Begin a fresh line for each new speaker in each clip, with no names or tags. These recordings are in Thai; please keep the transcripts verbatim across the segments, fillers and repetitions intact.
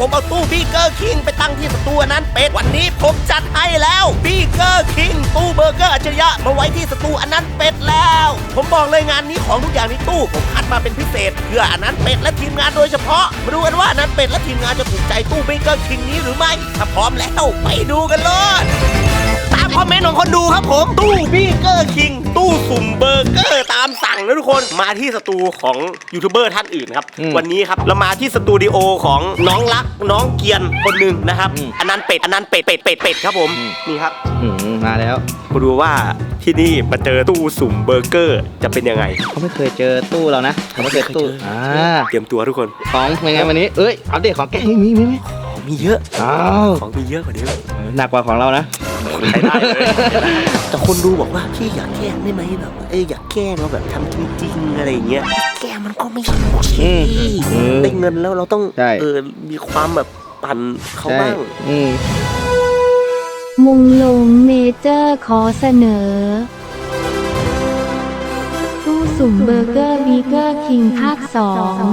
ผมเอาตู้บีเกอร์คิงไปตั้งที่สตูนั้นเป็ดวันนี้ผมจัดให้แล้วบีเกอร์คิงตู้เบอร์เกอร์อัจฉริยะมาไว้ที่สตูอันนั้นเป็ดแล้วผมบอกเลยงานนี้ของทุกอย่างในตู้ผมคัดมาเป็นพิเศษเพื่ออันนั้นเป็ดและทีมงานโดยเฉพาะมาดูกันว่าอันนั้นเป็ดและทีมงานจะถูกใจตู้บีเกอร์คิงนี้หรือไม่ถ้าพร้อมแล้วไปดูกันเลยตามคอมเมนต์ของคนดูครับผมตู้บีเกอร์คิงตู้สุ่มเบอร์เกอร์ตามสั่งนะทุกคนมาที่สตูของยูทูบเบอร์ท่านอื่นครับวันนี้ครับเรามาที่สตูดิโอของน้องรักน้องเกียนคนหนึ่งนะครับอันนั้นเป็ดอันนั้นเป็ดเป็ดเป็ดเป็ดครับผมนี่ครับ
มาแล้ว
มาดูว่าที่นี่มาเจอตู้สุ่มเบอร์เกอร์จะเป็นยังไง
เขาไม่เคยเจอตู้เรานะเขาไม่เคยตู้อ่า
เตรียมตัวทุกคน
ของเป็นไงวันนี้เอ้ยอัปเดตของแกมีมีมี
ของมีเยอะ
อ้าว
ของมีเยอะกว่าเดิม
หนักกว่าของเรานะ
ใช้ได้เลยแต่คนดูบอกว่าพี่อยากแกล้งได้ไหมแบบเอ้ยอยากแกล้งเราแบบทำจริงๆอะไรอย่างเงี้ยแกล้งมันก็ไม่ใช่โอเคได้เงินแล้วเราต้องเออมีความแบบปั่นเขาบ้าง
มุงลงเมเจอร์ขอเสนอตู้สุ่มเบอร์เกอร์บีเกอร์คิงภาคสอง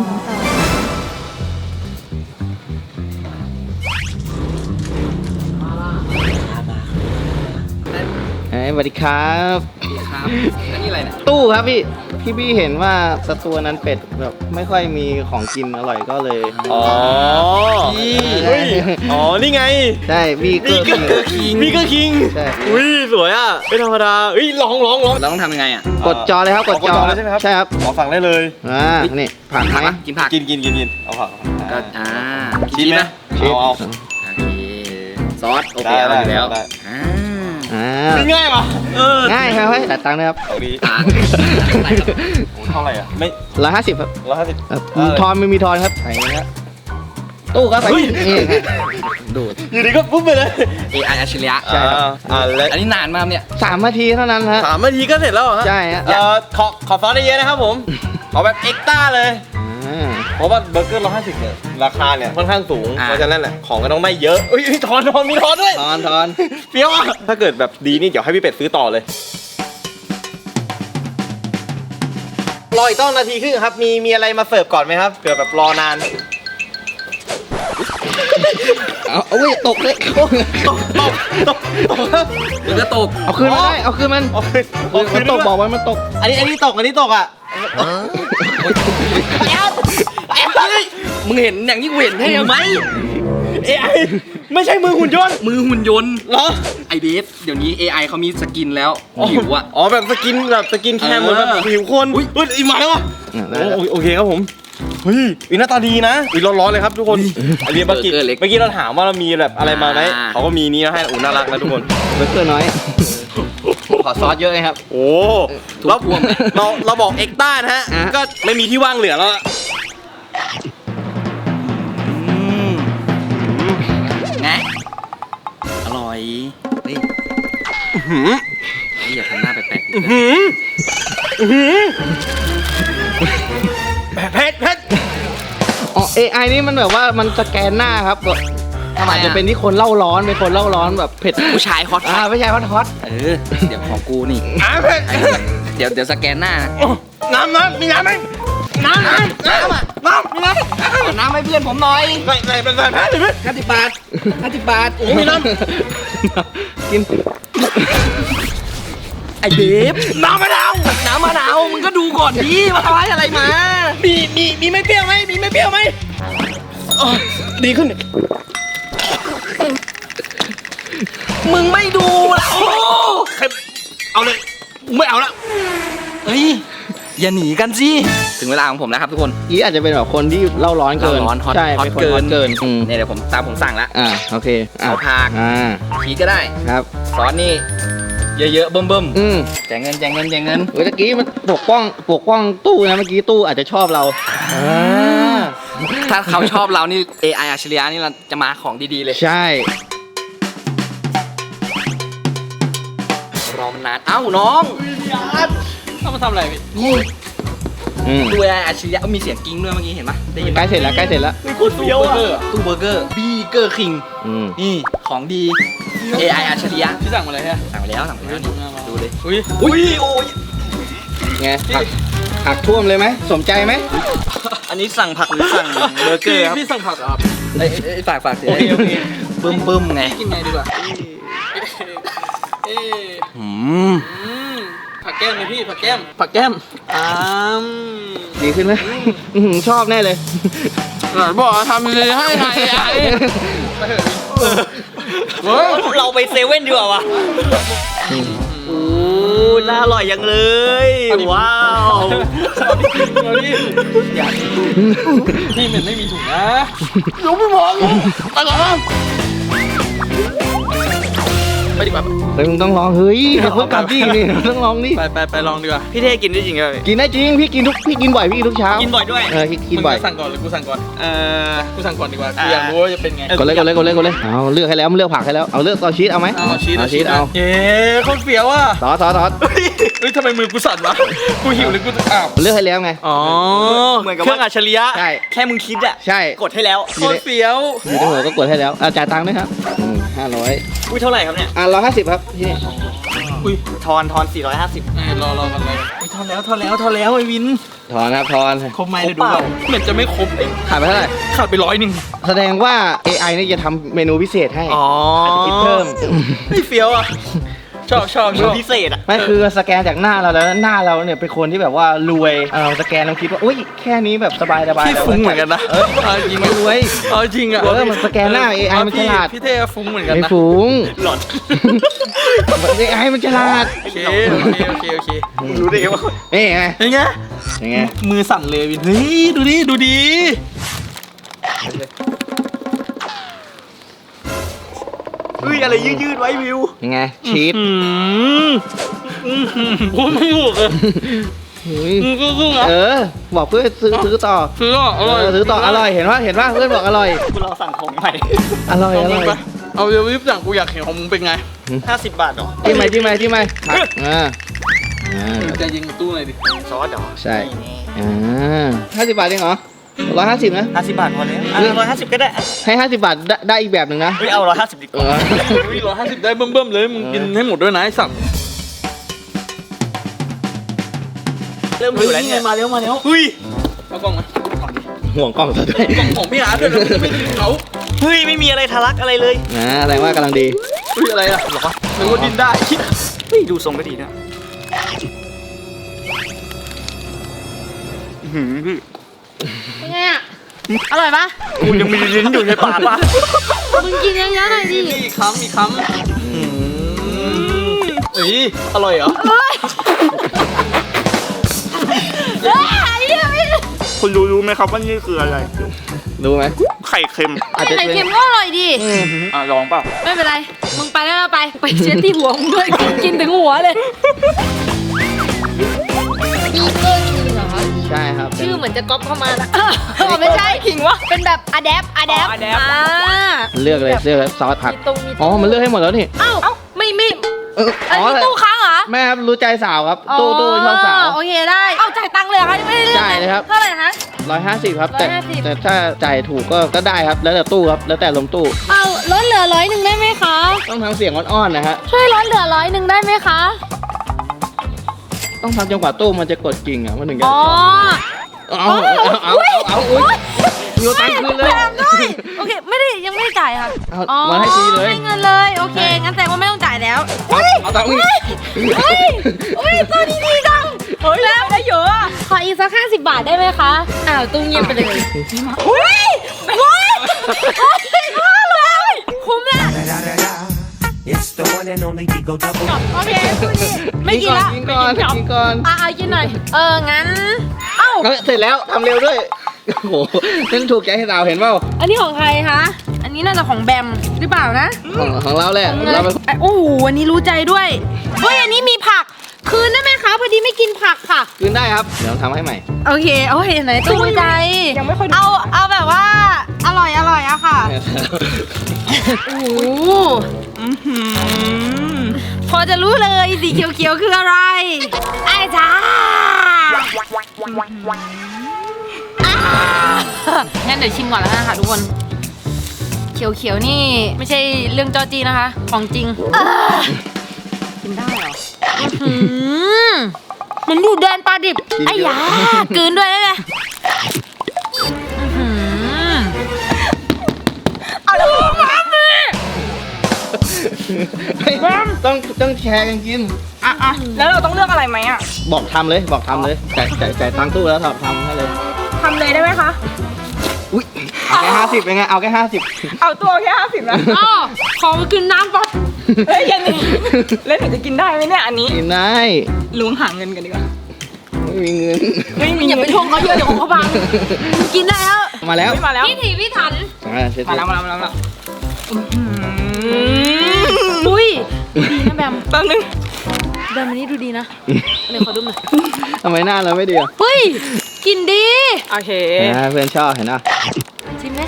สวัสดีครับ
ครับอันนี้อะไรเนี่ย
ตู้ครับพี่พี่พี่เห็นว่าสตูนั้นเป็ดแบบไม่ค่อยมีของกินอร่อยก็เลย
อ๋อพี่อ๋อนี่ไง
ใช่บีเกอร์
คิงบีเกอร์คิง
ใช่
อุ้ยสวยอ่ะไม่ธรรมดาเฮ้ยลองลองลอง
เราต้องทำยังไงอ่ะกดจอเลยครับกดจอ
เลยใช่ไหมครับ
ใช่ครับ
ขอฝั่งได้เลย
อ่านี่ผักไหม
กินผักกินกินกินกินเอาผัก
ก็อ่า
กินไหมเอาเอา
โอเคซอสโอเคเอาอยู่แล้วอ่า
ง่ายป่ะ
เออง่ายครับแต่ตังค์นะครับ
เอาดีเท่าไหร่อ่ะไม่
ร้อยห้าสิบครับ
ร้อยห้าสิบ
ทอนไม่มีทอนครับไหนนะตู้ครับนี่ดูด
อยู่ดีก็ปุ๊บไปเลย
เอ ไอ อัจฉริยะใช่ครับอันนี้นานมากเนี่ยสามนาทีเท่านั้นฮะ
สามนาทีก็เสร็จแล้วฮะ
ใช่ฮะ
เอ่อขอขอซอสได้เยอะนะครับผมขอแบบเอ็กซ์ต้าเลยเพราะว่าเบอร์เกอร์ร้อยห้าสิบเนี่ยราคาเนี่ยค่อนข้างสูงเพราะฉะนั้นแหละของก็ต้องได้เยอะอุ้ยทอนทอนมีทอนด้วย
ทอนทอน
เปรี้ยวอ่ะถ้าเกิดแบบดีนี่เดี๋ยวให้พี่เป็ดซื้อต่อเลยรออีกต้องนาทีครึ่งครับมีมีอะไรมาเสิร์ฟก่อนไหมครับเผื่อแบบรอนาน
เอาเอาตกเลยตกตกตกตกมันจะตกเอาคืนมาได้เอาคืนมันมันตกบอกว่ามันตก
อันนี้อันนี้ตกอันนี้ตกอ่ะ
มึงเห็นอย่างที่กูเห็นใช่ไหม
เอไอไม่ใช่มือหุ่นยนต์
มือหุ่นยนต์
เหรอ
ไอเบสเดี๋ยวนี้ เอ ไอ เขามีสกินแล้วผิวอ่ะ
อ๋อแบบสกินแบบสกินแคมเหมือนแบบผิวคนอุ้ยอุ้ยอีกมาแล้ววะโอเคครับผมเฮ้ยอีหน้าตาดีนะอีร้อนๆเลยครับทุกคนอันนี้เมื่อกี้เมื่อกี้เราถามว่าเรามีแบบอะไรมาไหมเขาก็มีนี้ให้อุ่นน่ารักนะทุกคน
เบอร์เกอร์น้อยขอซอสเยอะไงครับ
โอ้เราเราเราบอกเอ็กต้านะฮะก็ไม่มีที่ว่างเหลือแล้ว
ไงอร่อยเฮ้ยอย่าทำหน้าแปลกๆ
เผ็ดเผ็ด
อ๋อ เอ ไอ นี่มันแบบว่ามันสแกนหน้าครับอาจจะเป็นที่คนเล่าร้อนเป็นคนเล่าร้อนแบบเผ็ด
ผู้ชายฮอต
อ่าผู้ชายฮอตฮอตเออเดี๋ยวของกูนี่
อ่าเผ็ด
เดี๋ยวเดี๋ยวสแกนหน้า
น้ำน้ำมีน้ำไหมน้ำน้ำน้ำอ่ะน้ำมีน้
ำน้ำให้เพื่อนผมหน่อย
ใส่ใส่เป็นใส่แพ้เลยไหม
ห้าสิบบาทห้าสิบบาท
มีน้
ำกิน
ไอเบฟน้ำมะนาว
น้ำมะนาวมึงก็ดูก่อนดิมาไว้อะไรมา
มีมีมีไม่เปรี้ยวไหมมีไม่เปรี้ยวไหมดีขึ้น
มึงไม่ดูแล้ว
เอาเลยไม่เอาละ
เฮ้ยอย่าหนีกันสิถึงเวลาของผมแล้วครับทุกคนอีอาจจะเป็นแบบคนที่เล่าร้อนเกิน
ร้อน
ใช่ฮอตเกินเกิน
เนี่ยเดี๋ยวผมตามผมสั่งละ
อ่าโอเค
เอาผัก
อ่า
ชีสก็ได้
ครับ
ซอสนี่เยอะๆเบิ่ม
ๆอืม
แจกเงินแจกเงินแจกเงิน
เมื่อกี้มันปกป้องปกป้องตู้นะเมื่อกี้ตู้อาจจะชอบเรา
ถ้าเขาชอบเรานี่ เอ ไอ อัจฉริยะนี่เราจะมาของดีๆเลย
ใช่
รอมันนานเอ้าน้องต้องมาทำอะไรนี่ตู้ เอ ไอ อัจฉริยะมีเสียงกิ้งด้วยเมื่อกี้เห็นปะได้ยิน
ใกล้เสร็จแล้วใกล้เสร็จแล้ว
มีคนเฟี้ยวอ่ะตู้เบอร์เกอร์บีเกอร์คิงนี่ของดี เอ ไอ อัจฉริยะพี่สั่งมาเลยฮะสั่งไปแล้วสั่งไปแล้วนี่ดูเลยอุ้ยอุ้ยโอ้ย
ไงผักผักท่วมเลยไหมสมใจไหม
อันนี้สั่งผักหรือสั่งเบอร์เกอร์ครับพี่สั่งผักครับ
ไอ้ไอ้ฝากฝากเสีย
โอเคโอเค
บึ้มบึ้มไง
กินไงดีกว่าเอ๊ะ
อืม
อืมผักแก้มเลยพี่ผักแก้มผักแก้มอ้าม
ดีขึ้นไหมอื้อหือชอบแน่เลย
หน่อยบอกทำเลยให้ไงไอ้เฮ้ย
เราไปเซเว่นดีกว่าวะโอ้น่าอร่อยยังเลย ว้าว
เอาดิอย่านี่มันไม่มีถุงนะยกไม่พอเลยไปก่อนนะไปดีกว่า
แต่มึงต้องลองเฮ้ยเดี๋ยวเขากลับดินี่ต้องลองดิ
ไปไปไปลองดีกว่า
พี่เท่กินได้จริงเลย
กินได้จริงพี่กินทุกพี่กินบ่อยพี่กินทุกเช้า
กินบ่อยด้วย
เออกินบ่อย
มึงจะสั่งก่อนหรือกูสั่งก่อน
เออ
กูสั่งก่อนดีกว่ากูอยากรู้ว่าจะเป็นไง
กดเลยกดเลยกดเลยกดเลยเอาเลือกให้แล้วมันเลือกผักให้แล้วเอาเลือกต่อชีสเอาไหม
เอาชีส
เอาชีสเอา
เย้โคตรเฟี้ยวอ่ะ
ซอสซอสซอส
เฮ้ยทำไมมือกูสั่นวะกูหิวหรือกูอ้าว
เลือกให้แล้วไง
อ๋อ
เหมือนกับ
เครื่
ว่า
องอัจฉริยะ
ใช่
แค่มึงคิดอะ
ใช่
กดให้แล้ว
โคตรเฟี้ยว
อยู่ในหัวก็กดให้แล้วอ่ะจ่ายตังค์ด้วยครับห้าร้อย
อุ้ยเท่าไหร่ครับเนี่ย
อ่ะร้อยห้าสิบครับที่นี่
อุ้ย
ทอนทอนสี่ร้อยห้าสิบ
เอ้ยรอรอกันเลยอุ้ยทอนแล้วทอนแล้วทอนแล้วไอ้วิน
ถอนครับถอน
ครบไหมเลยดูแบบเหมือนจะไม่ครบเอง
ขาดไปเท่าไหร่
ขาดไปร้อยหนึ่ง
แสดงว่า เอ ไอ เนี่ยจะทำเมนูพิเศษให้
อ๋อ
อาจจะคิดเพิ่ม
ไม่เฟี้ยวอ่ะชอบชอบชอบ
พิเศษอะ
ไม่คือสแกนจากหน้าเราแล้วหน้าเราเนี่ยเป็นคนที่แบบว่ารวยเออสแกนเราคิดว่าอุ้ยแค่นี้แบบสบายสบาย
พี่ฟุ้งเหมือนกันนะ
เออ
เอาจริง
ไม่รวย
เอาจริงอ่ะ
เออมันสแกนหน้า เอ ไอ มันฉลาด
พี่เท่ฟุ้งเหมือนกัน
ไม่
นะ
ฟุ้ง
หลอน
เอ ไอ มันฉลาด
โอเคโอเคโอเคโอเค
รู้ได้ไงว่า
นี่ไง
เป็นไง
ยังไง
มือสั่นเลยวินเฮ้ยดูดิดูดิ
เฮ้ยอะไรยืดยืดๆไว้วิว
ยังไงชีส
อืมอืมพูดไม่ถูกเลย
เฮ้ย
อืมก็ๆอ่ะ
เออ บอกเพื่อนซื้อซื้อต่อ
ซื้ออ่ะอร่อย
เออซื้อต่ออร่อยเห็นว่าเห็นว่าเพื่อนบอกอร่อย
กูรอสั่งของใหม่
อร่อย
เอา
อ
มึ
ร่
ง
อย
ไปเอาเดี๋ยวรีบสั่งกูอยากเห็นของมึงเป็นไง
ห้าสิบบาทเหรอ
ที่ไหมที่ไหมที่ไหมผักอ่าอ่า
ใจยิงตู้หน่อยดิ
ซอสเหรอ
ใช่ อ่าห้าสิบบาทเองเหรอร้อยห้าสิบนะ
ห้าสิบบาทพอแล้วอ่ะร้อยห้าสิบก็ได้
ให้ห้าสิบบาทได้ได้อีกแบบหนึ่งนะ
เฮ้ยเอาร้อยห้าสิบดีก
เอ
ว่า
อ
อุ้ยร้อยห้าสิบได้เบิ่มๆเลยมึงกินให้หมดด้วยนะไอ้สัตว์
เริ่ม
เฮ้
อย ยู่แล้วเนี่ย
มาแล้วมาแล้ว
เฮ้ย
เอากล่องมา
ห่วงกล้องซะด้วย
กล่องของพี่อาร์ตด้วยนะมึงไม่กินเขา
เฮ้ยไม่มีอะไรทะลักอะไรเลย
นะแสดงว่ากำลังดี
อุ้ยอะไรอ่ะหรอนึกว่าดินได้
เฮ้ยดูทรงก็ดีนะอื้อหือพี่
เป็นไงอ่ะ อร่อยปะ
กูยังมีลิ้นอยู่ในปากปะ
มึงกินเยอะๆหน่อยดิ
มีอีกคำอีกคำเอ้ยอร่อยเหรอ
เฮ้ยเฮ้ยเหี้ยไม่
คุณรู้รู้ไหมครับว่านี่คืออะไร
รู้ไหม
ไข่เค็ม
อาจจะ
ไข่
เป็น
เค็มก็อร่อยดิ
อ่ะลองเปล่า
ไม่เป็นไร มึงไปแล้วไป ไปเช็ดที่หัวมึงด้วย กินกินถึงหัวเลยบีเกอร์คิงเหรอครับ
ใช่ครับเป็น
ชื่อเหมือนจะก๊อปเข้ามานะอ๋อไม่ใช่คิงวะ เป็นแบบอะแดปอะแดปอ่า
เลือกเลยเลือกเลยซอสผัก
มีตรงมี
อ๋อ มันเลือกให้หมดแล้วนี่
เอ้าไม่ไม่
เออ
อัน
อ๋อ
นี้ตู้ค้างเหรอ
แม่ครับรู้ใจสาวครับ ตู้ตู้ชอบสาว
โอเคได้ เอาจ่ายตังค์เลยเหรอคะยังไม่ได้เลือก
จ่ายเลยครับ
เท่าไหร่ฮะ
ร้อยห้าสิบครับ แต่
ร้อยห้าสิบ
แต่ถ้าจ่ายถูกก็ก็ได้ครับ แล้วแต่ตู้ครับ แล้วแต่ลมตู้
เอาลดเหลือร้อยหนึ่งได้ไหมคะ
ต้องทำเสียงอ่อนๆนะฮะ
ช่วยลดเหลือร้อยหนึ่งได้ไหมคะ
ต้องทำจนกว่าตู้มันจะกดกิ่งอ่ะมันถึงจะ
อ๋อ
เอาเอาเอาเอาเอาอุ้ยโยนตังค์คืนเลย
แถมด้วยโอเค ไม่ได้ยังไม่ได้จ่ายค่ะ
เอา
อ๋อ
มาให้ฟรีเลย
ให้เงินเลย โอเค งั้นแสดงว่าไม่ต้องจ่ายแล้ว
เอาเอาตังค์อีก
เฮ้ยเฮ้ยตัวนี้ดีจังเฮ้ยแล้วได้เยอะอะขออีกสักห้าสิบบาทได้ไหมคะ อ้าวตู้เงียบไปเลยเฮ้ยโอ้ยโอ้ยห้าร้อยคุ้มละ
It's the one and only Digo Double.
โอเคพูดดิไม่กินละ
กินก่อนกินก่อน
อ่ะเอากินหน่อย เออ งั้น เอ้า
เอาเสร็จแล้วทำเร็วด้วย โอ้โหนั่นถูกใจให้สาวเห็นเปล่า
อันนี้ของใครคะ อันนี้น่าจะของแบมหรือเปล่านะ
ของของเราแหละ
ของเงิน
เราไป
โอ้โหอันนี้รู้ใจด้วย เฮ้ย อันนี้มีผัก คืนได้ไหมคะ พอดีไม่กินผักค่ะ
คืนได้ครับ เดี๋ยวทำให้ใหม่
โอเค โอเคไหนตู้ใจ ยังไม่ค่อยเอา เอาแบบว่า อร่อย อร่อยอะค่ะ โอ้โหอื้อหือพอจะรู้เลยสีเขียวๆคืออะไร ไอ้จ้าอ่างั้นเดี๋ยวชิมก่อนแล้วกันค่ะทุกคน เขียวๆนี่ไม่ใช่เรื่องจอจีนะคะ ของจริงอ่ากินได้เหรออื้อหือมันอยู่แดนปลาดิบ ไอ้ยากลืนด้วยได้ไหมอื้อหือ
ต้องต้องแชร์กันกิน
อ่ะอ่ะแล้วเราต้องเลือกอะไรไหมอ่ะ
บอกทำเลยบอกทำเลยจ่ายจ่ายจ่ายตังค์ตู้แล้วทำทำให้เลย
ทำเลยได้ไหมคะ
อุ้ยเอาแค่ห้าสิบเป็นไงเอาแค่ห้าสิบ
เอาตัวแค่ห้าสิบนะ
อ๋อขอไปกินน้ำก่อน
เฮ้ยยันนี่แล้วหนูจะกินได้ไหมเนี่ยอันนี้
กินได้
ล้วงหาเงินกันดีกว่า
ไม่มีเงิน
ไม่มี
อย่า
เงิ
ไป
น
ทวงเขาเยอะเดี๋ยวของเขาพังกินได้แล้ว
มาแล้ว
ไม่มาแล้ว
พี่ถีพี่ถัน
อ่าเสร็จ
มาแล้วมาแล้วมาแล้วมาแล้วอื้อหือ
อุ้ยดีนะแบม
แป๊บนึง
แบมอันนี้ดูดีนะเดี๋ยวขอดูหน่อย
ทำไมหน้าเราไม่ดีอ่ะ
เฮ้ยกินดี
โอเค
อ่าเพื่อนชอบเห็นป่ะ
ชิมไหม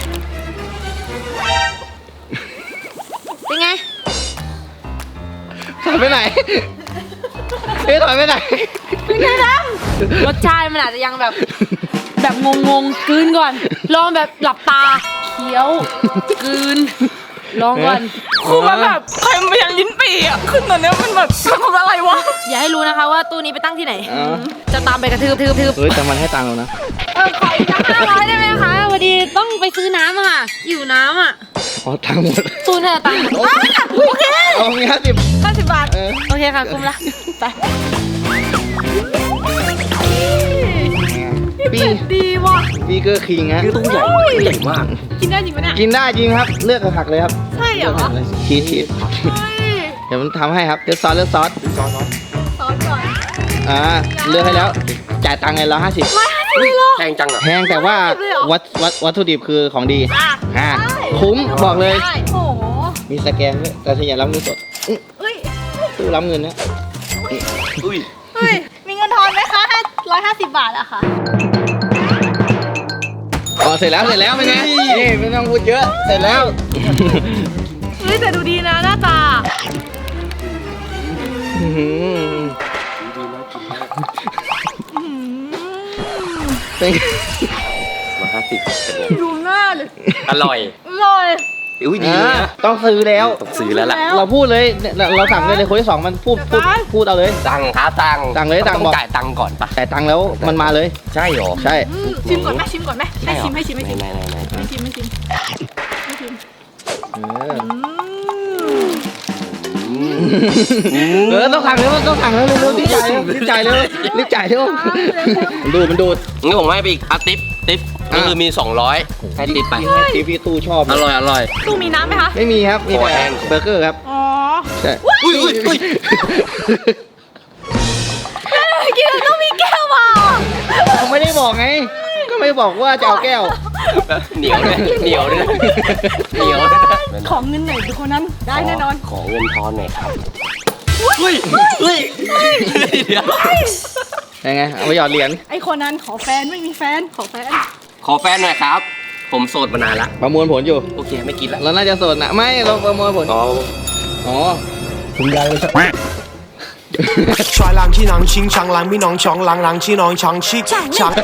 เป็นไง
ถอยไปไหนเฮ้ยถอยไปไหน
เป็นไงแบมรสชาติมันอาจจะยังแบบ แบบงงงๆกลืนก่อน ลองแบบหลับตาเคี้ยวกลืนลองก่อน
คือมันแบบเค็มไปยันลิ้นปี่อ่ะขึ้นตอนเนี้ยมันแบบทำอะไรวะ
อย่าให้รู้นะคะว่าตู้นี้ไปตั้งที่ไหน
อ๋อ
จะตามไปกระทืบทืบทืบ
เฮ้ยแต่มันให้ตังค์เรานะ
เออขออีกห้าร้อยได้ไหมคะพอดีต้องไปซื้อน้ำอะค่ะหิวน้ำอะ
อ๋อตังค์หมด
ตู้น่าจะตังค์หมดอ่ะโอเค
เอามีห้าสิบ
ห้าสิบบาท
เออ
โอเคค่ะคุ้มละไป
ปี
ดีว่ะ
ปีเกอร์คิงฮะ
ตู้ใหญ่ใหญ่มาก
กินได้จริงปะเนี่ย
กินได้จริงครับ เลือกผักเลยครับ
ใช่เหรอ
ชีสชีส
เฮ้ย
เดี๋ยวมันทำให้ครับเลือกซอสเลือกซอส
ซอสก่อน
อ่าเลือกให้แล้วจ่ายตังค์ไงเราห้าสิบ
ร้อยห้าสิบเลยเหรอ
แพงจังอ่ะ
แพงแต่ว่า
เลยเหรอ
วัตวัตวัตถุดิบคือของดี
อ่ะ
อ่าคุ้มบอกเลย
ได้โอ้โห
มีสแกนด้วยแต่ฉันอย่ารับเงินสดอื้อ
เฮ้ย
ตู้รับเงินนะ
อุ้ย
เฮ้ยมีเงินทอนไหมคะร้อยห้าสิบบาทอะค่ะ
อ๋อเสร็จแล้วเสร็จแล้วเป็นไงนี่ไม่ต้องพูดเยอะเสร็จแล้ว
เฮ้ยแต่ดูดีนะหน้าตา
อื้อหือเป็นไง
มาห้าสิบเป็นไง
ดูหน้าเลย
อร่อย
อร่อย
อุ้ยดี
อ่า
นะ
ต้องซื้อแล้ว
ต้องซื้อแล้วล่ะ
เราพูดเลยเนี่ยเราเราสั่งเลยเลยคนที่สองมันพูดพูดพูดเอาเลย
ตังค์ครับตังค์
ตังค์เลยตังค์
ต้อง
บอก
จ่ายตังค์ก่อนปะ
แต่ายตังค์แล้วมันมาเลย
ใช่เหรอ
ใช่
อืมชิมก่อนไหมชิมก่อนไหมให้ชิมให้ชิมให้ชิม
ไหนไหนไหน
ให้ชิมให้ชิมให้ชิม
เออ
อืม
เออต้องสั่งเร็วต้องสั่งเร็วเร็วรีบจ่ายเร็วรีบจ่ายเร็วรีบจ่ายเร็วมันดูดมันดูด
งั้นผมให้ไปอีกอ่ะติ๊บติ๊บก็คือมีสองร้อยให้ติ๊บไป
ให้ทีพี่ตู้ชอบ
อร่อยอร่อย
ตู้มีน้ำไหมคะ
ไม่มีครับมี
ขอ
แต่
แห้ง
เบอร์เกอร์ครับ
อ๋อ
ใช่
อุ้ยอุ้ยอุ้ย
กินแล้วต้องมีแก้วเปล่า
เขาไม่ได้บอกไง ก็ไม่บอกว่าจะเอาแก้ว
เหนียวด้วยเหนียวด้วยเหนียวด้วยนะ
ของเงินไหนทุกคนนั้นได้แน่นอน
ขอเงินทอนหน่อยครับอุ้ยอุ้ยเดี๋ยว
ยังไงเอาไปหยอดเหรียญ
ไอคนนั้นขอแฟนไม่มีแฟนขอแฟน
ขอแฟนหน่อยครับ ผมโสดมานานละ
ประมวลผลอยู่
โอเคไม่กินละ
เราน่าจะโสดนะไม่เราประมวลผล
อ๋อ
อ๋อ
帅浪气囊清长浪咪囊长浪浪气囊长气长。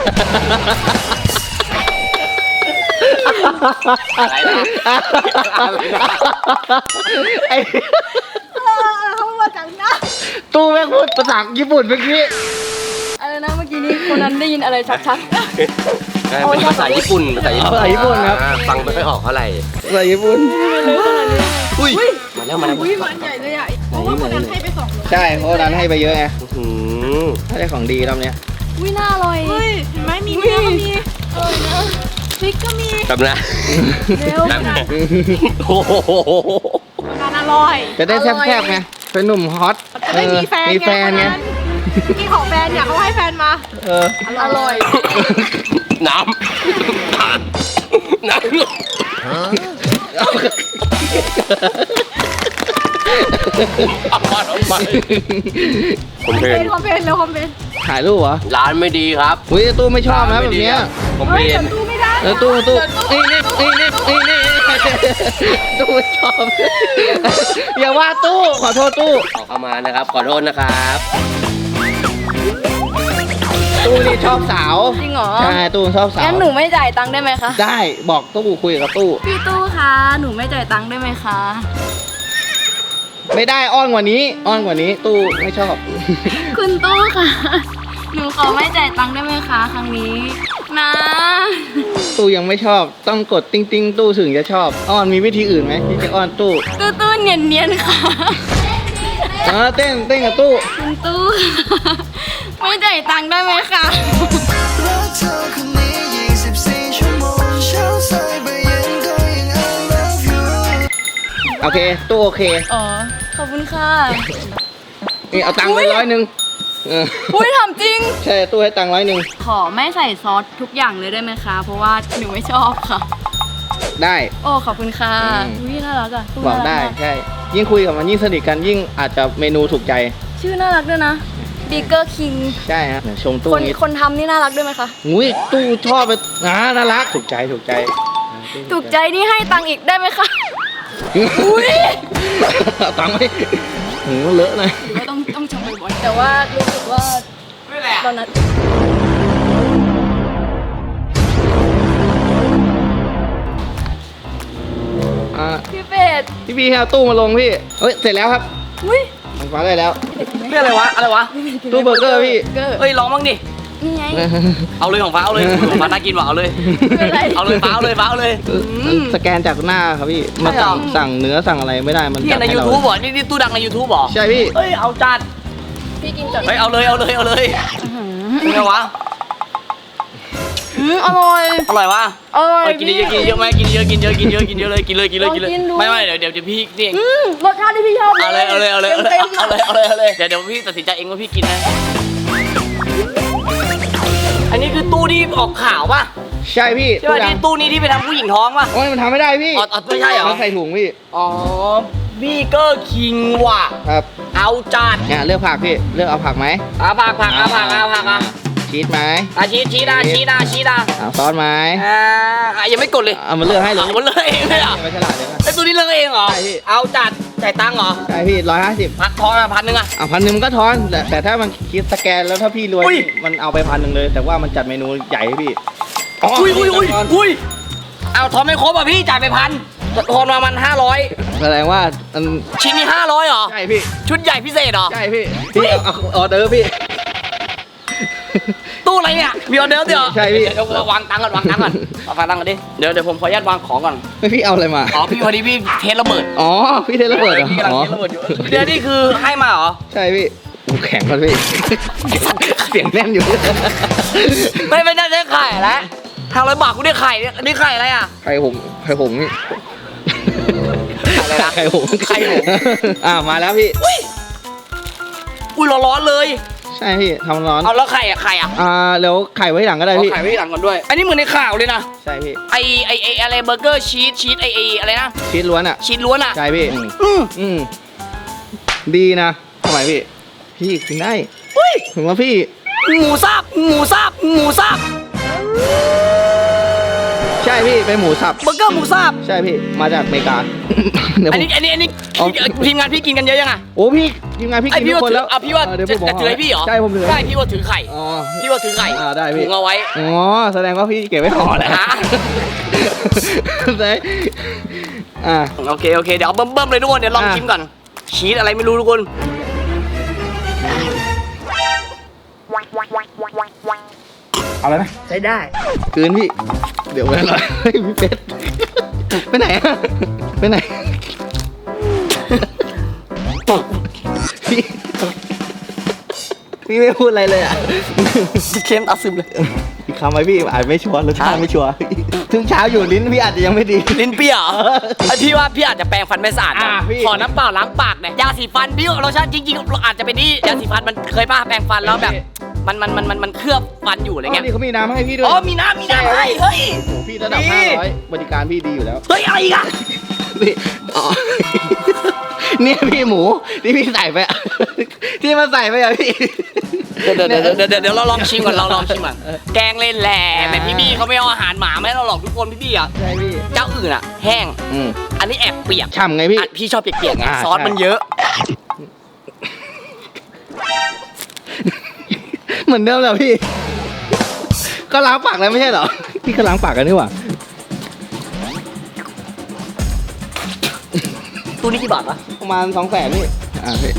อะไรนะอะไรนะ
ไอ้
เขามาจากนะ
ตู้แม่งพูดภาษาญี่ปุ่นเมื่อกี้
อะไรนะเมื่อกี้นี้คนนั้นได้ยินอะไรชัด
เป็นภาษาญี่ปุ่นภาษาญี่ปุ่น
ภาษาญี่ปุ่นครับ
อ่าฟังไม่ค่อยออกเท่าไหร่
ภาษาญี่ปุ่น
อุ้ยมาแล้วมาแล้ว
ๆอุ้ยมันใหญ่เลยอ่ะเพราะว่าคนนั้นให้ไปสองร้อย
ใช่เพราะวันนั้นให้ไปเยอะไง
อืม
ถ้าได้ของดีรอบเนี้ย
อุ้ยน่าอร่อยเฮ้ยเห็นไหมมีเนื้อก็มีเออเนื้อพริกก็มี
แบบนะ
เร็ว
แบบนะโอ้โห
การอร่อย
จะได้แซ่บๆไงเป็นหนุ่มฮอต
จะได้มีแฟน
มีแฟนไง
กินของแฟนเนี่ยเขาให้แฟนมา
เออ
อร่อย
น้ำน้ำเอามาทำไมผมเพ
เป็น นคอมเพลนแล้วคอมเพลน
ถ่ายรูปเหรอ
ร้านไม่ดีครับ
อุ้ยตู้ไม่ชอบนะแบบเนี้ย
ผม
เฮ้
เพ
ย
น
เดี๋ยวตู้ไม่ได้
เออตู้ตู้นี่นี่นี่นี่นี่นี่ตู้ไม่ชอบ อย่าว่าตู้ขอโทษตู้
ขอเข้ามานะครับ ขอโทษนะครับ
ตู้นี่ชอบสาว
จริงเหรอ
ใช่ตู้ชอบสาว
งั้นหนูไม่จ่ายตังค์ได้ไหมคะ
ได้บอกตู้คุยกับตู้
พี่ตู้คะหนูไม่จ่ายตังค์ได้ไหมคะ
ไม่ได้อ้อนกว่านี้ อ้อนกว่านี้ ตู้ไม่ชอบ
คุณตู้ค่ะ หนูขอไม่จ่ายตังค์ได้ไหมคะครั้งนี้นะ
ตู้ยังไม่ชอบ ต้องกดติ้งติ้งตู้ถึงจะชอบ อ้อนมีวิธีอื่นไหมที่จะอ้อนตู้
ตู้ตู้เนียนเนียนๆค่ะ
เออเต้นเต้นกับตู้
คุณตู้ ไม่จ่ายตังค์ได้ไหมคะ
โอเคตู้โอเค
อ๋อ ขอบคุณค่ะ
นี่เอาตังค์ไปร้อยหนึ่งเออ
อุ้ยทำจริง
ใช่ตู้ให้ตังค์ร้อยหนึ่ง
ขอไม่ใส่ซอสทุกอย่างเลยได้ไหมคะ เพราะว่าหนูไม่ชอบค่ะ
ได้
โอ้ขอบคุณค่ะ
อืม
อุ้ยน่ารักอ่ะตู้
บอก
น่ารั
ได้
มาก
ใช่ยิ่งคุยกับมันยิ่งสนิทกันยิ่งอาจจะเมนูถูกใจ
ชื่อน่ารักด้วยนะบีเกอร์คิง
ใช่ฮะชมตู้
คน
นี้
คนทำนี่น่ารักด้วยไหมคะ
อุ้ยตู้ชอบไปอ่าน่ารักถูกใจถูกใจ
ถูกใจนี่ให้ตังค์อีกได้ไหมคะ
อุ้ยเอาตังค์ไหมหืมเลอะเลย
ไม่ต้องต้องชมบ่อยๆแต่ว่ารู้สึกว่าตอนนั้น
อ่า
พี่เป็ด
พี่พี่ให้เอาตู้มาลงพี่เฮ้ยเสร็จแล้วครับ
อุ้ย
มันฟ้าได้แล้ว
เรื่องอะไรวะ อะไรวะ
ตู้เบอร์เกอร์พี่
เกอร์
เฮ้ยลองบ้างดิ
นี่ไง
เอาเลยของฟ้าเอาเลยของฟ้าน่ากินว่ะเอาเลย
เป็นไร
เอาเลยฟ้าเอาเลยฟ้าเอาเลย
สแกนจากหน้าครับพี่มาสั่งสั่งเนื้อสั่งอะไรไม่ได้มัน
พี่
จัด
ใน
ให้เรา
YouTube บ่นี่นี่ตู้ดังใน YouTube บ่
ใช่พี่
เฮ้ยเอาจัด
พี่กินจัด
เฮ้ยเอาเลยเอาเลยเอาเลยเป็นไงวะ
อืมอร่อย
อร่อยวะ
อร่อย
เออกินเยอะกินเยอะไหมกินเยอะกินเยอะกินเยอะกินเยอะเลยกินเลยกินเลยกินเลย
ลองกินดู
ไม่ไม่เดี๋ยวเดี๋ยวเดี๋ยวพี่นี่เอง
อืมรสชาติที่พี่ชอบ
เอาเลยเอาเลยเอาเลยเอาเลย
ต็มๆ
เอาเลยเอาเลยเอาเลยเดี๋ยวเดี๋ยวพี่ตัดสินใจเองว่าพี่กินนะอันนี้คือตู้ที่ออกข่าวป่ะ
ใช่พี่
ใช่ป่ะ
ดั
ที่
ง
ตู้นี้ที่ไปทำผู้หญิงท้องป่ะ
โอ้ยมันทำไม่ได้พี่
อ๋ออ๋อไม่ใช่เหรอ
มันใส่ถุงพี่
อ๋อบีเกอร์คิงว่ะ
ครับ
เอาจัด
เนี่ยเลือกผักพี่เลือกเอาผักไหม
อาผักผักอาผักอาผักอา
ชีสไหม
อาชีสชีสอาชีสอาชีสอา
เอาซอสไหม
อ่าอ่ะยังไม่กดเลย
เอามาเลือกให้เลย
เอาหมดเลยเองเลยเหรอ่ะ
ไม่ฉลาดเลยนะ
ไอ้ตัวนี้เลือกเองเหรอ
ใช่พี่
เอาจัดจ่ายตังค์เหรอ
ใช่พี่ร้อยห้าสิบ
พักทอนอ่ะพันหนึ่งอ่ะ
เอาพันหนึ่งมันก็ทอนแต่แต่ถ้ามันคิดสแกนแล้วถ้าพี่รวย
อุ้ย
มันเอาไปพันหนึ่งเลย แต่ว่ามันจัดเมนูใหญ่ให้พี่
อุ้ยอุ้ยอุ้ย
ทอน
อุ้ยเอาทอนไม่ครบอ่ะพี่จ่ายไปพันทอนมามันห้าร้อย
แสดงว่ามัน
ชิ้นนี้ห้าร้อยเหรอ
ใช่พี่
ชุดใหญ่พิเศษเหรอ
ใช่พี่พี่เอาเอาออเดอร์พี่
ตู้อะไรเนี่ยมีออเดอร์ส์เดี๋ยว
ใช่พี่
เดี๋ยววางตังค์ก่อนวางตังค์ก่อนเอาวางตังค์ก่อนดิเดี๋ยวเดี๋ยวผมขออนุญาตวางของก่อน
ไม่พี่เอาอะไรมา
อ๋อพี่พอดีพี่เทสระเบิด
อ๋อพี่เทระเบิดเหรอ
พี่กำลัง
อ๋อ
เทสระเบิดอยู่เดี๋ยวนี่คือให้มาเหรอ
ใช่พี่โอ้แข็งก่อนพี่ เสียงแน่นอยู่
ไม่ไม่น่าจะไข่แล้วห้าร้อยบาทกูได้ไข่เนี่ยอันนี้ไข่อะไรอ่ะ
ไข่หงไข่หงนี่
อะไรนะ
ไข่หง
ไข่หง
อ่ามาแล้วพี่
อุ้ยอุ้ยร้อนๆเลย
ใช่พี่ทำร้อน
เอาแล้วไข่อ่ะไข่อ่ะ
อ่าแล้วไข่ไว้หลังก็ได้
เอา
พี่
ไข่ไว้หลังก่อนด้วย อันนี้เหมือนในข่าวเลยนะ
ใช่พี่
ไอไอไออะไรเบอร์เกอร์ชีสชีสไอไออะไรนะ
ชีสล้วนอ่ะ
ชีสล้วนอ่ะ
ใช่พี่
อืม
อืมดีนะทำไมพี่ พี่กินได้
อุ้ย
ถึงว่าพี่
หมูสับหมูสับหมูสับ
ใช่พี่เป็นหมูสับ
เบอร์เกอร์หมูสับ
ใช่พี่มาจากอเมริกา เดี๋ยว
อัน
ผม
นี้อันนี้อันนี้
เอา
ทีมงานพี่กินกันเยอะยังอ่ะ
โอ้พี่ทีมงานพี่
ไอ
กิน
พี่
ทุก
ว่า
คน
ถือ
แล้ว
อ่ะพี่ว่า
เออเดี๋ยว
จะ
ผมบอก
จะถือให้พี่เหรอ
ใช่ผมถือ
ใช่พี่ว่าถือไข่
อ๋อ
พี่ว่าถือไข่
อ่าได้พี่
ถุงเอาไว้
อ๋อแสดงว่าพี่เก็บไว้ห่อแล้ว
ฮะ
ได้อ่า
โอเคโอเคเดี๋ยวเอาเบิ่มๆเลยทุกคนเดี๋ยวลอง
อ่ะ
ชิมก่อนชีสอะไรไม่รู้ทุกคน
เอาแล้วนะใช้ได้คืนพี่ เดี๋ยวไว้หน่อยเฮ้ยพี่เป็ดไปไหนอะไปไหนพี่พี่ไม่พูดอะไรเลยอ่ะ
เค็มตาซึมเลย
อีกคำไหมพี่อาจไม่ชัวร์รสชาติไม่ชัวร์ถึงเช้าอยู่ลิ้นพี่อาจจะยังไม่ดี
ลิ้นเปรี้ยวไอพี่ว่าพี่อาจจะแปรงฟันไม่สะอาดนะ
อ่ะพี่
ขอน้ำเปล่าล้างปากหน่อยยาสีฟันพี่รสชาติจริงๆอาจจะเป็นที่ยาสีฟันมันเคยป้าแปรงฟันแล้วแบบมันมันมันมันมันเคลือบฟันอยู่อะไร
อ๋อ
เงี้ย
นี่เขามีน้ำให้พี่ด้วย
อ๋อมีน้ำมีน้ำให้เฮ้ย
โอ้โหพี่ระดับ
ดี
ห้าร้อยบริการพี่ดีอยู่แล้ว
เฮ้ยอะไรอีกอะ
นี่อ๋อ เนี่ยพี่หมูที่พี่ใส่ไปอะที่มาใส่ไปอะพี่
เดี๋ยวเดี๋ยวเดี๋ยวเดี๋ยวเดี๋ยวเราลองชิมก่อนเราลองชิมก่อนแกงเล่นแหล่แต่พี่บี้เขาไม่เอาอาหารหมามาให้เราหรอกทุกคนพี่บี้อ่ะ
ใช่พี่
เจ้าอื่นอ่ะแห้ง
อืม
อันนี้แอบเปียก
ฉ่ำไงพี่
อ่ะพี่ชอบเปียกๆไง
อ่า
ซอส
ใช่
มันเยอะ
เหมือนเดิมแหละพี่ ก็ล้างปากแล้วไม่ใช่เหรอ พี่ก็ล้างปากกันนี่หว่า
ตู้นี้กี่บาทวะ
ประมาณสองแสนนี่ อ่าพี่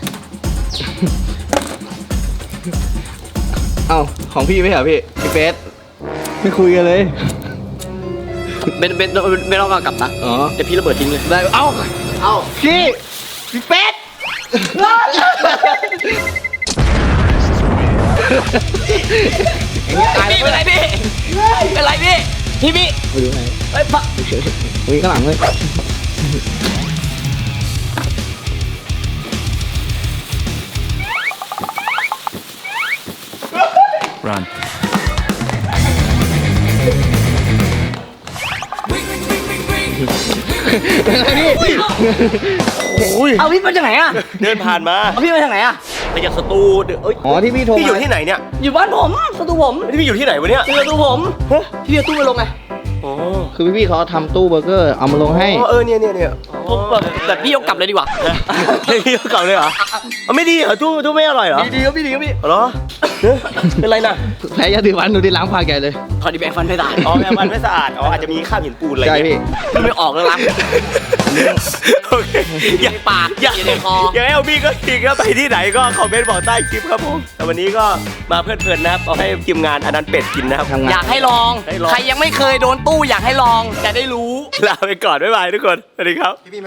เอ้าของพี่ไม่เหรอพี่พี่เฟสไม่คุยกันเลย
เบนเบนไม่ต้องเอากลับนะ
อ๋อ
เดี๋ยวพี่ระเบิดทิ้งเลย
ได้ เอ้า เอ้าพี่พี่เฟส
พี่เป็นไรพี่เป็นไรพี่พี่พี่
ไปดูไหน
เฮ้ยปะ
วิ่งข้างหลังเลย
เอาพี่มาจากไหนอ่ะ
เดินผ่านมา
เอาพี่มาจากไหนอ่ะ
ไปจากสตูเดี๋ยวเอ้ย
อ๋อที่พี่โทร
พี่อยู่
มา
ที่ไหนเนี่ย
อยู่บ้านผมสตูผม
นี่พี่อยู่ที่ไหนวะเนี่ย
อยู่สตูผมพี่เอาตู้มาลงไง
อ๋อ
คือพี่ๆเขาทำตู้เบอร์เกอร์เอามาลงให้
อ๋อเออเนี่ยเนี่ยเนี่ย
ผมแบบแบบพี่ยกกลับเลยดีกว่า
พี่เก่าเลยเหรอเอาไม่ดีเหรอตู้ตู้ไม่อร่อยเหรอ
ดีๆครับพี่ดีครับพี่
เหรอเฮ้ยเป็นไรน่ะ
แพ้ยาสีฟันดูที่ล้างปากใหญ่เลย
พอดีแบงฟันไม่ได้
อ๋อแม่มันไม่สะอาดอ๋ออาจจะมีคราบหินปูนอะไร
ใช่
เงี้ย
พี่
พี่ไม่ออกแล้วล้าง
โอเค
อยู่ในปาก
อยาก
อยู่ในคอ
อยากให้เอาพี่ก็ทีก็ไปที่ไหนก็คอมเมนต์บอกใต้คลิปครับผมแต่วันนี้ก็มาเพลิดเพลินนะครับเอาให้ทีมงานอันนั้นเป็ดกินนะครับ
ทำงาน
อยากให้ลอง
ให้ลอง
ใครยังไม่เคยโดนตู้อยากให้ลองจะได้รู้
ลาไปก่อนบ๊ายบายทุกคนสวัสดีครับ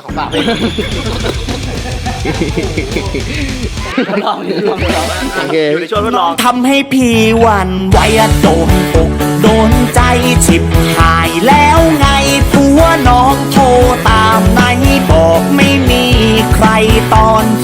ลองลองลอง
โอเค
อยู่ในช่วงทดลอง
ทำให้พี่หวันไหวอะโดนอกโดนใจฉิบหายแล้วไงผัวน้องโทรตามไหนบอกไม่มีใครตอน